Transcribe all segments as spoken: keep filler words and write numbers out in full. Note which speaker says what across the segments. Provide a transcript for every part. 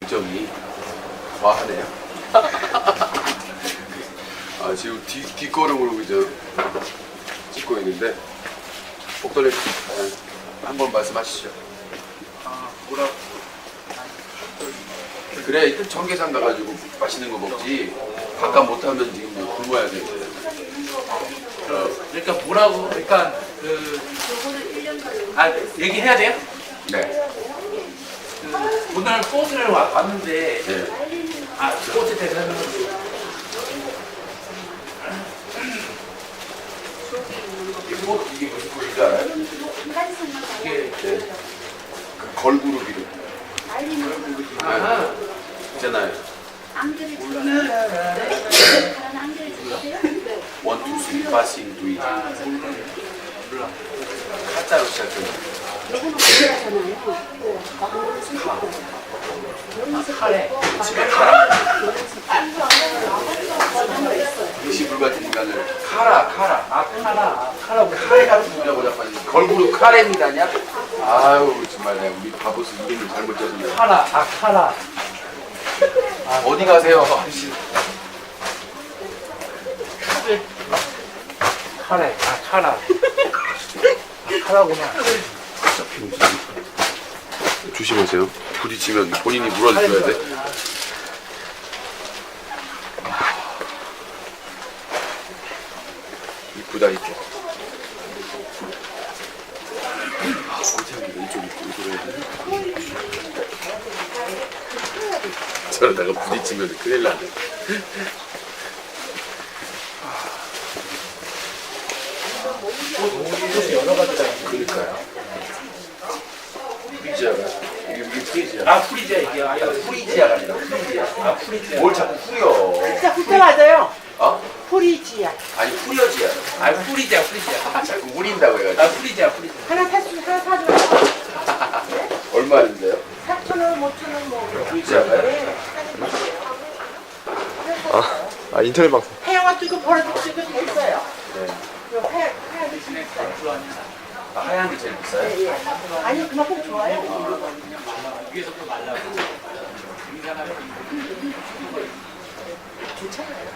Speaker 1: 점이 과하네요. 아, 지금 뒤, 뒷걸음으로 이제 찍고 있는데, 복돌님, 네, 한번 말씀하시죠.
Speaker 2: 아, 뭐라고?
Speaker 1: 그래, 일단 청계산 가가지고 맛있는 거 먹지. 바깥 못하면 지금 뭐 굶어야 돼.
Speaker 2: 어, 그러니까 뭐라고? 그러니까 그, 아, 얘기해야 돼요?
Speaker 1: 네.
Speaker 2: 그, 오늘 꽃을 와- 왔는데,
Speaker 1: 네.
Speaker 2: 아, 꽃에 대해서는
Speaker 1: 이게 뭐, 이게 무슨 꽃인지 알아요?
Speaker 2: 이게,
Speaker 1: 네. 그 걸그룹 이름.
Speaker 2: 아,
Speaker 1: 있잖아요. 원, 투, 쓰리, 파싱, 두이.
Speaker 2: 몰라.
Speaker 1: 가짜로 시작해요.
Speaker 2: 카레.
Speaker 1: 집에 카라. 이시불 같은 인간을 카라, 카라.
Speaker 2: 아, 카라. 아, 카라. 뭐
Speaker 1: 카레 같은 소리라고 자꾸 걸그룹 카레입니다냐? 아유 정말 내가 우리 바보스 이름을 잘못 쳤는데.
Speaker 2: 카라. 아, 카라.
Speaker 1: 어디 가세요? 아저씨.
Speaker 2: 카레. 아, 카라. 아, 카라구나.
Speaker 1: 조심하세요. 부딪히면 본인이 물어줘야 돼. 이쁘다 이쪽. 아, 어떻게 이쪽 이쪽 해야 돼? 저러다가 부딪히면 큰일 나네.
Speaker 2: 꽃이 여러 가지가 있네.
Speaker 1: 그러니까요. 프리지아가 이게 이게 프리지아.
Speaker 2: 아, 프리지아 이게. 아, 이거
Speaker 1: 프리지아가 아니라 프리지아.
Speaker 2: 아, 프리지아.
Speaker 1: 뭘 자꾸 후려?
Speaker 3: 진짜 그때 맞아요.
Speaker 1: 어?
Speaker 3: 프리지아.
Speaker 1: 아니 후려지야.
Speaker 2: 아, 프리지아, 프리지아.
Speaker 1: 아, 자꾸 우린다고 해가지고.
Speaker 2: 아, 프리지아, 프리지아.
Speaker 3: 하나 사주 하나 사줘요.
Speaker 1: 얼마인데요?
Speaker 3: 사천 원, 오천 원 뭐.
Speaker 1: 프리지아가요?
Speaker 3: 네.
Speaker 4: 아, 아 인터넷 방송.
Speaker 3: 해양화 이거 버려도 지금 됐어요.
Speaker 1: 네.
Speaker 3: 이거 하얀 하얀 지금 있어요.
Speaker 1: 아, 하얀 게 제일 비싸요?
Speaker 3: 예, 예. 아니 그만큼 좋아요.
Speaker 2: 위에서 또 말라고.
Speaker 3: 괜찮아요.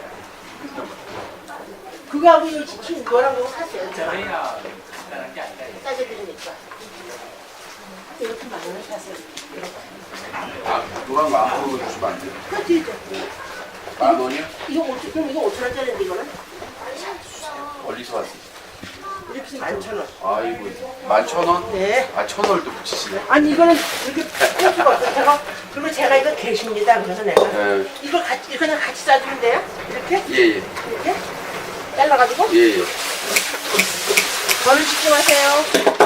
Speaker 3: 그거하고 이 치킨 이거랑 그거 샀어요. 저
Speaker 2: 저희야, 간단한 게 아니라.
Speaker 3: 싸게 드리니까. 이렇게 많이 샀어요.
Speaker 1: 아, 노란 거 앞으로 주시면 안 돼요?
Speaker 3: 그거 드리죠.
Speaker 1: 만 원이요?
Speaker 3: 이거 오천 그럼 이거 오천 원짜리인데 이거는
Speaker 1: 어디서 왔어요?
Speaker 3: 이렇게 만천 원.
Speaker 1: 아이고, 만 천 원?
Speaker 3: 네.
Speaker 1: 아, 천 원을 또 붙이시네.
Speaker 3: 아니 이거는 이렇게 뺄 수가 없어요. 제가 그리고 제가 이거 계십니다. 그래서 내가
Speaker 1: 네.
Speaker 3: 이거 같이 이거 그냥 같이 싸주면 돼요. 이렇게
Speaker 1: 예, 예.
Speaker 3: 이렇게 잘라가지고
Speaker 1: 예, 예.
Speaker 3: 저를 집중하세요.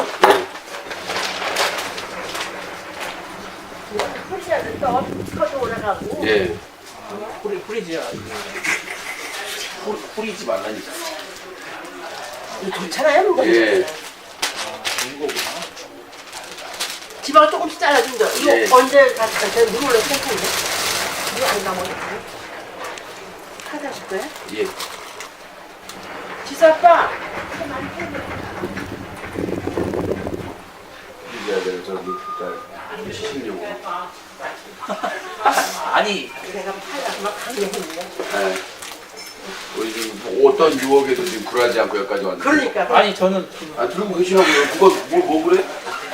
Speaker 3: 프리시아는 또 커도 올라가고.
Speaker 1: 예.
Speaker 2: 프리, 프리지아.
Speaker 1: 후, 후리지 말라니까.
Speaker 3: 이거 좋잖아요, 뭔가.
Speaker 1: 예.
Speaker 2: 좋은 거구나.
Speaker 3: 지방을 조금씩 잘라준 거. 이거
Speaker 1: 예.
Speaker 3: 언제 갔을 때 물 올려 생각인데 물안 나오네. 카드 하실 거예요?
Speaker 1: 예.
Speaker 3: 지수 아빠.
Speaker 1: 후리지아를 저기, 저, 시키려고.
Speaker 2: 아니,
Speaker 3: 내가 팔다가 막 강력했네.
Speaker 1: 네. 우리 지금 뭐 어떤 유혹에도 지금 굴하지 않고 여기까지 왔는데.
Speaker 3: 그러니까.
Speaker 2: 아니, 저는 지금
Speaker 1: 아, 들고 계시라고요. 누가, 뭘, 뭐 그래?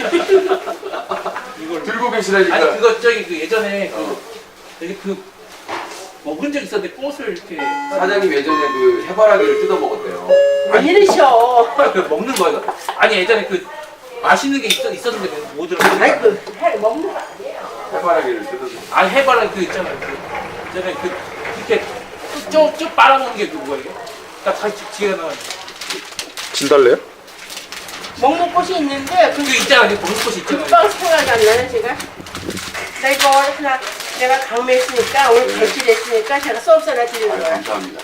Speaker 2: 이걸.
Speaker 1: 들고 계시라니까.
Speaker 2: 아니, 그거 저기 그 예전에 그,
Speaker 1: 어.
Speaker 2: 여기 그, 먹은 적 있었는데 꽃을 이렇게.
Speaker 1: 사장님 예전에 그 해바라기를 뜯어 먹었대요.
Speaker 3: 왜 이러셔?
Speaker 2: 아, 그 먹는 거예요? 아니, 예전에 그, 맛있는 게 있었, 있었는데 뭐 들었어요?
Speaker 3: 아니 그 해 먹는 거 아니에요.
Speaker 1: 해바라기를 뜯어서.
Speaker 2: 아니, 해바라 그 있잖아요. 그, 예전에 그, 이렇게 쭉, 쭉 빨아먹는 게 그 뭐예요? 딱 다시 뒤에 나와.
Speaker 4: 진달래요?
Speaker 3: 먹는 꽃이 있는데
Speaker 2: 그
Speaker 3: 그
Speaker 2: 있잖아요. 그 먹는 꽃이 있잖아요.
Speaker 3: 금방 생각이 안 나네 제가. 나 이거 하나 내가 강매했으니까 오늘 배치됐으니까 제가 수업서 하나 드리는
Speaker 1: 아유,
Speaker 3: 거야.
Speaker 1: 감사합니다.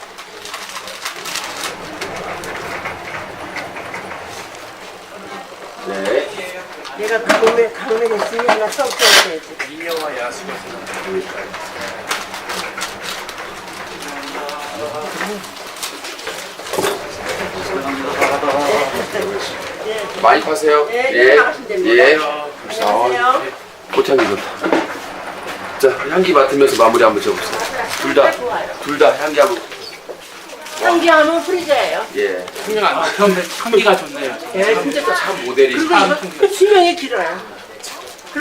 Speaker 1: 네.
Speaker 3: 내가 강매 강매했으니 하나 수업서 해야지.
Speaker 2: 인여와 야수가
Speaker 3: 예.
Speaker 1: 많이 파세요.
Speaker 3: 예, 네, 나가시면 됩니다.
Speaker 1: 예.
Speaker 3: 안녕하세요.
Speaker 1: 꽃향기 좋다. 자, 향기 맡으면서 마무리 한번 줘보세요. 둘 다, 둘 다 향기 한번.
Speaker 3: 향기하면 프리저예요.
Speaker 1: 예.
Speaker 2: 향기가, 아, 그런데 향기가 좋네요.
Speaker 3: 예, 근데 또
Speaker 1: 참 모델이.
Speaker 3: 그리고 이거 수명이 길어요.